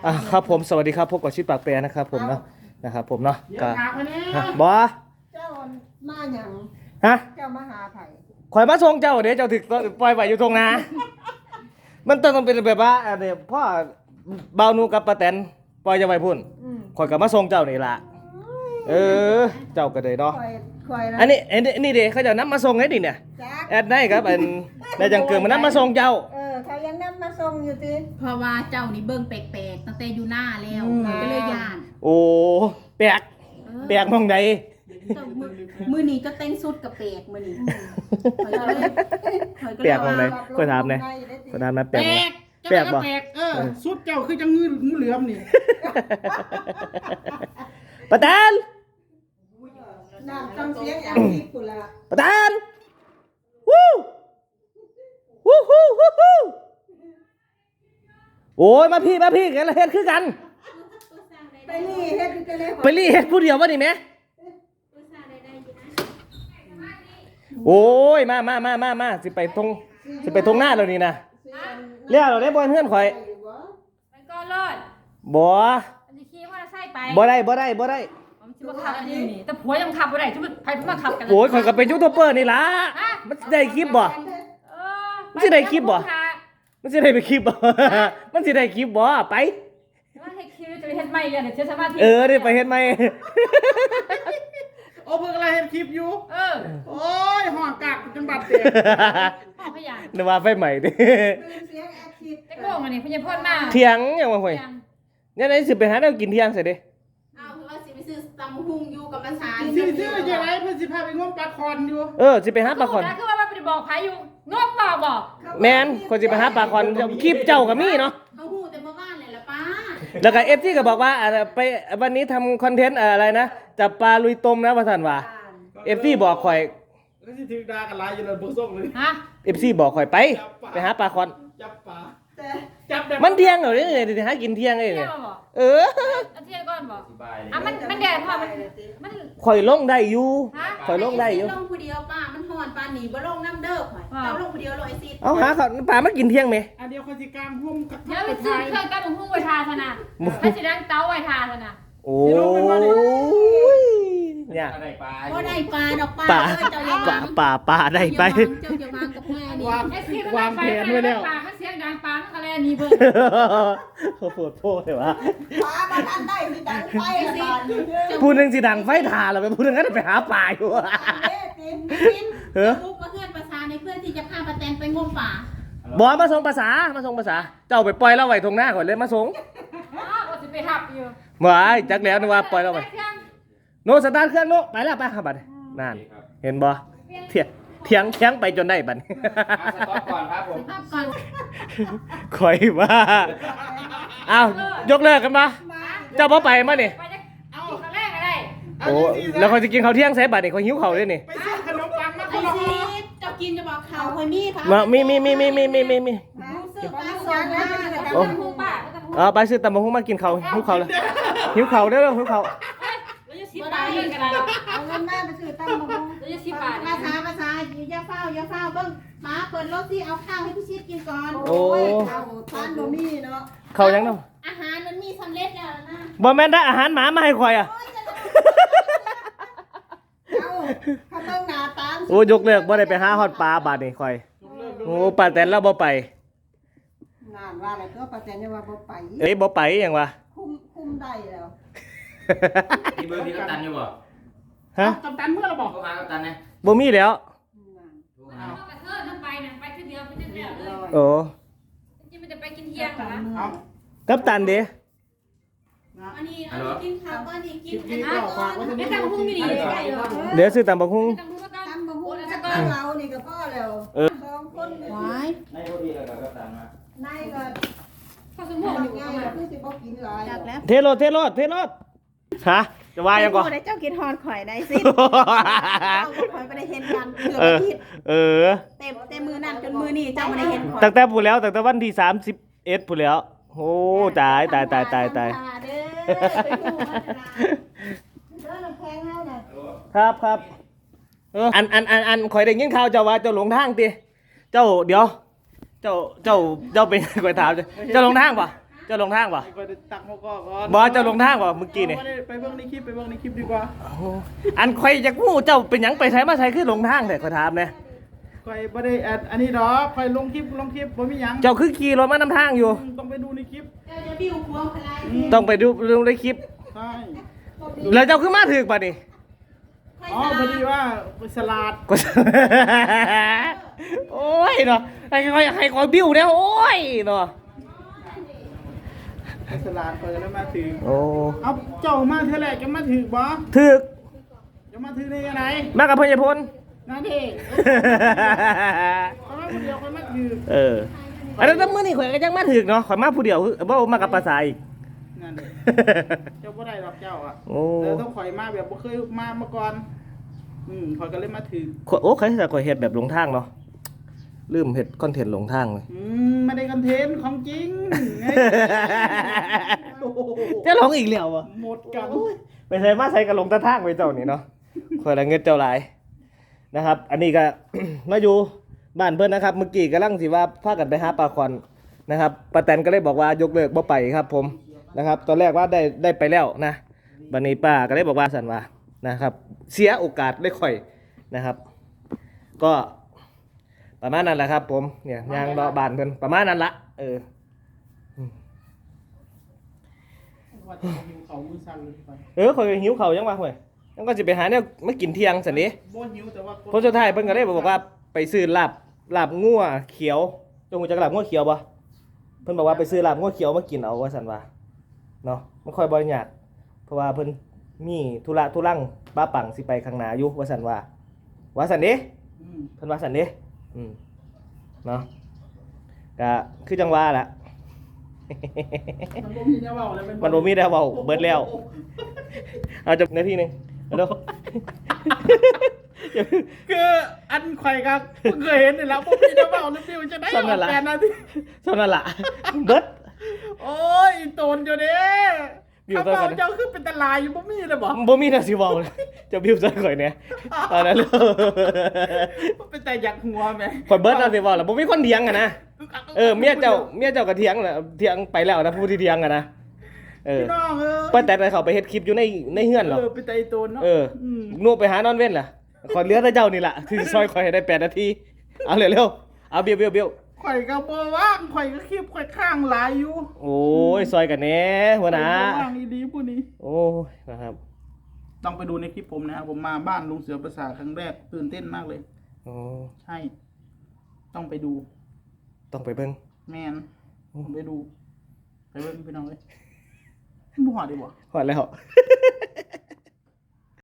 ครับผมสวัสดีครับพบกับชิดปากแปรนะครับผมเนาะนะครับผมเนาะก็บอเจ้ามาหยังฮะเจ้ามาหาไผข่อยมาส่งเจ้าเดี๋ยวเจ้าถึกปล่อยไว้อยู่ตรงนามันต้องเป็นแบบว่าเดี๋ยวพ่อเบานูกับป้าแตนปล่อยจะไว้พุ่นข่อยก็มาส่งเจ้านี่ล่ะเจ้าก็เลยเนาะอันนี้เด้เขาจะนำมาส่งให้ดิเนี่ยแอดได้ครับได้จังเกิดมานำมาส่งเจ้าเขายังนำมาส่งอยู่ติเพราะว่าเจ้านี่เบิ่งแปลกๆตั้งแต่อยู่หน้าแล้วก็เลยย่านโอ้แปลกมองใดมือนี้ก็เต้นสุดกับแปลกมือนี้แปลกมองใดก็ถามเลยก็ถามนะแปลกบ่สุดเจ้าคือจังงูเหลือมนี่ป้าแตนน้ำต้องเสียงอย่างนี้พุ่นล่ะป้าแตนวู้โอ้ยมาพี่กันเฮ็ดคือกันไปรีเฮ็ดกันเลยไปรีเฮ็ดผู้เดียวบ่นี่แม่โอ้ยมาสิไปทงหน้าแล้วนี่นะเรียกเราได้บ่เฮือนข่อยมันก็รอดบ่อันนี้ขี่ว่าใส่ไปบ่ได้ผมสิบ่ขับอันนี้นี่แต่ผัวยังขับบ่ได้ไผเพิ่นมาขับกันโอ้ยข่อยก็เป็นยูทูบเบอร์นี่ล่ะมันได้คลิปบ่มันสิได้คลิปบ่มันสิได้ไปคลิปบ่มันสิได้คลิปบ่ไปว่าให้คิวจะไปเฮ็ดใหม่เลยเดี๋ยวสามารถได้ไปเฮ็ดใหม่โอ้เพิ่งอะไรเห็นคลิปอยู่โอ้ยห่อกากจังบัดเตะพ่อพยานนึกว่าไฟใหม่ดิเสียงแอคทีฟแต่ก็ว่านี่พญาพ่นมาเที่ยงยังว่าห่วยเนี่ยไหนสิไปหาแนวกินเที่ยงซะเด้เอาคือว่าสิไปซื้อตำหุ่งอยู่กับภาษาซื้อยังไงเพิ่นสิพาไปงมปลาคอนอยู่สิไปหาปลาคอนคือว่าไปบอกไผอยู่งบบ่บอกแม่นคนสิไปหาปลาคอนคลิปเจ้าก็มีเนาะเฮาฮู้แต่เมื่อวานเลยล่ะป้าแล้วก็ FT ก็บอกว่าไปวันนี้ทำคอนเทนต์อะไรนะจับปลาลุยต้มนะว่าซั่นว่า FT บอกข่อยแล้วสิถึงดากันหลายอยู่เลยบ่ส่งเลยฮะ FC บอกข่อยไปหาปลาคอนจับปลาจับมันเที่ยงเหรอเนี่ยหากินเที่ยงเลยเนี่ยเที่ยงก่อนบอกมันแดดพอมันข่อยลงได้อยู่ข่อยลงได้อยู่ลงผู้เดียวป้ามันฮ้อนปานนี้บ่ลงน้ำเด้อข่อยเอาลงผู้เดียวเลยสิเอาหาเขาปลามากินเที่ยงมั้ยอันเดียวคนสิกลางหุ้มกับเดี๋ยวไปซื้อเครื่องกั้นหุ้มไว้ทาซะนะให้สิดังเตาไว้ทาซะนะโอ้ยเนี่ยบ่ได้ปลาดอกปลาเจ้าอย่าวางปลาได้ไปเจ้าอย่าวางกับแม่นี่วางแผนไว้แล้วปลามันเสียงดังปลามันอะไรนี่เบิ่งเขาโพดเลยวะปลามันอันได้สิดังไฟสิผู้นึงสิดังไฟถ่าแล้วไปผู้นึงก็ไปหาปลาอยู่กินลูกมาเพื่อนภาษาในเพื่อนที่จะพาป้าแตนไปงมป่าบ่มาส่งภาษาเจ้าไปปล่อยเราไว้ตรงหน้าก่อนเลยมาส่งว่าสิไปหับอยู่บ่จักแล้วนึกว่าปล่อยเราไว้โนสตาร์ทเครื่องโนไปแล้วไปครับบัดนั่นเห็นบ่เถียงไปจนได้บัดสต็อปก่อนครับผมก่อนข่อยว่าอ้าวยกเลิกกันบ่เจ้าบ่ไปมานี่เอาครั้งแรกก็ได้โอ้แล้วเขาจะกินข้าวเที่ยงใส่บัดนี่เขาหิวข้าวด้วยนี่ไปซื้อขนมปังมาคนละห่อจะกินจะบอกข่าวข่อยมีค่ะมีไปซื้อตำบักหุ่งมากินข้าวหิวข้าวเลยหิวข้าวเด้อหิวข้าว 10 บาทเองก็ได้เอาเงินมาไปซื้อตั้งบ่แล้ว10 บาทภาษาอย่าเฝ้าเบิ่งมาเปิดรถสิเอาข้าวให้พี่ชิดกินก่อนโอ้ยข้าวทานบ่มีเนาะข้าวยังเนาะอาหารมันมีสำเร็จแล้วนะบ่แม่นได้อาหารหมามาให้ข่อยอ่ะเขาต้องหน้าตาโอ้ยกเลิกบ่ได้ไปหาฮอดปลาบาดนี่ข่อยโอ้ป้าแตนเราบ่ไปงานว่าอะไรก็ป้าแตนว่าบ่ไปบ่ไปหยังวะคุมได้แล้วมีเบอร์ที่กัปตันอยู่บ่ฮะกัปตันเมื่อเราบอกโทรหากัปตันนะบ่มีแล้วไปทีเดียวเลยโอ้นี่มันจะไปกินเที่ยงเหรอกัปตันเด้อันนี้กินข้าวก็นี่กินไม่ตำหุ่งอยู่นี่เดี๋ยวซื้อตำบักหุ่งตำบักหุ่งแล้วก็เรานี่ก็พอแล้ว2คนว้ายในพอดีเลยกัปตันมาในก็ข้าวสมุนอยู่ง่ายคือสิบ่กินหลายแล้วเทรถฮะจะว่ายังก่อนเจ้ากินฮอนข่อยได้สิข่อยบ่ได้เห็นกันเกือบอาทิตย์เต็มมือนั่นจนมือนี่เจ้าบ่ได้เห็นข่อยตั้งแต่พูดแล้วตั้งแต่วันที่31พูดแล้วโอ้ตายครับอันข่อยได้ยินข่าวเจ้าว่าเจ้าหลงทางติเจ้าเดี๋ยวเจ้าเป็นข่อยถามเจ้าหลงทางป่ะเจ้าลงทางบ่ไปตักมะกอกก่อนบ่เจ้าลงทางบ่เมื่อกี้นี่ไปเบิ่งในคลิปดีกว่าอันข่อยจักฮู้เจ้าเป็นหยังไปไสมาไสคือลงทางแต่ขอยถามแหน่คอยบ่ได้อันนี้ดอกคอยลงคลิปบ่มีหยังเจ้าคือขี่รถมานำทางอยู่ต้องไปดูในคลิปเดี๋ยวจะบิ้วควงอะไรต้องไปดูในคลิปใช่แล้วเจ้าคือมาถึกป่ะนี่อ๋อพอดีว่าไปสลัดก็ โอ้ยเนาะให้คอยบิ้วเนี่ยโอ้ยเนาะไปสลัดเปิดแล้วมาถึงโอ้เอาเจ้ามาเท่าไหร่จะมาถึงบ่ถึกจะมาถึงได้ยังไงมากับพญพลนั่นเองเอามาคนเดียวคนมาถึงเอออันนั้นมื้อนี้ข่อยก็ยังมาถึกเนาะข่อยมาผู้เดียวบ่มากับภาษาอีกนั่นเองเจ้าบ่ได้ดอกเจ้าอ่ะโอ้ต้องข่อยมาแบบบ่เคยมาก่อนข่อยก็เลยมาถึงโอ้ใครจะข่อยเฮ็ดแบบหลงทางเนาะลืมเฮ็ดคอนเทนต์หลงทางเลยไม่ได้คอนเทนต์ของจริงไงโอ้โหจะหลงอีกแล้วบ่หมดกันไปใส่มาใส่กับหลงตะทางไปเจ้านี่เนาะข่อยละเงินเจ้าหลายนะครับ อันนี้ก็ มาอยู่บ้านเพิ่นนะครับ เมื่อกี้กำลังสิว่าพากันไปหาปลาควันนะครับป้าแตนก็เลยบอกว่ายกเลิกบ่ไปครับผมนะครับ ตอนแรกว่าได้ไปแล้วนะบัดนี้ป้าก็เลยบอกว่าสั่นว่านะครับ เสียโอกาสได้ข่อยนะครับ ก็ประมาณนั้นแหละครับ ผมเนี่ยยางรอบ้านเพิ่นประมาณนั้นละว่าจะหิวเขามือสั่นเลยไปข่อยหิวข้าวยังวะห่วยยังก็สิไปหาเนี่ยมากินเที่ยงซั่นนี้บ่หิวแต่ว่าผลสุดท้ายเพิ่นก็เลยบอกว่าไปซื้อลาบงัวเขียวจงรู้จักลาบงัวเขียวบ่เพิ่นบอกว่าไปซื้อลาบงัวเขียวมากินเอาว่าซั่นว่าเนาะมันค่อยบ่ยากเพราะว่าเพิ่นมีธุระธุรังป้าปังสิไปข้างหน้าอยู่ว่าซั่นว่าซั่นเด้เพิ่นว่าซั่นเด้เนาะก็คือจังว่าล่ะมันบ่มีแนวเว้าแล้วมันบ่มีแล้วเว้าเบิดแล้วเอาจบนาทีนึงเอาเด้อคืออันไข่ครับเพิ่งเคยเห็นนี่แหล้วบ่มีแนวเว้าแล้วฟิวจะได้ออกแกนนาทีเท่านั้นล่ะเบิดโอ้ยอีโตนอยู่เด้บิวถ้าเท่าเว้ากันเจ้าคือเป็นตลายอยู่บ่มีเลยบ่บ่มีน่าสิเว้าเลยจะบิวซะข่อยเนี่ยเอานั้นเลยเป็นแต่อยากหัวแม่ข่อยเบิดน่าสิเว้าล่ะบ่มีคนเถียงอะนะเมียเจ้าก็เถียงน่ะเถียงไปแล้วนะผู้ที่เถียงอะนะพี่น้องป้าแต่เขาไปเฮ็ดคลิปอยู่ในเฮือนหรอเป็นแต่อีโตนเนาะนูไปหานอนเว้นล่ะขอเหลือแต่เจ้านี่ล่ะที่ซอยข่อยให้ได้8นาทีเอาเร็วๆเอาเบี้ยวข่อยก็บ่ว่างข่อยก็คลิปข่อยข้างหลายอยู่โอ้ยซอยกันแหน่หัวหน้าว่างอีดีผู้นี้โอ้ยนะครับต้องไปดูในคลิปผมนะครับผมมาบ้านลุงเสือประสาทครั้งแรกตื่นเต้นมากเลยโอ้ใช่ ต้องไปดูต้องไปเบิ่งแมนผมไปดูไปเบิ่งพี่น้องเลยบ่หอดดีบ่ฮอดแล้ว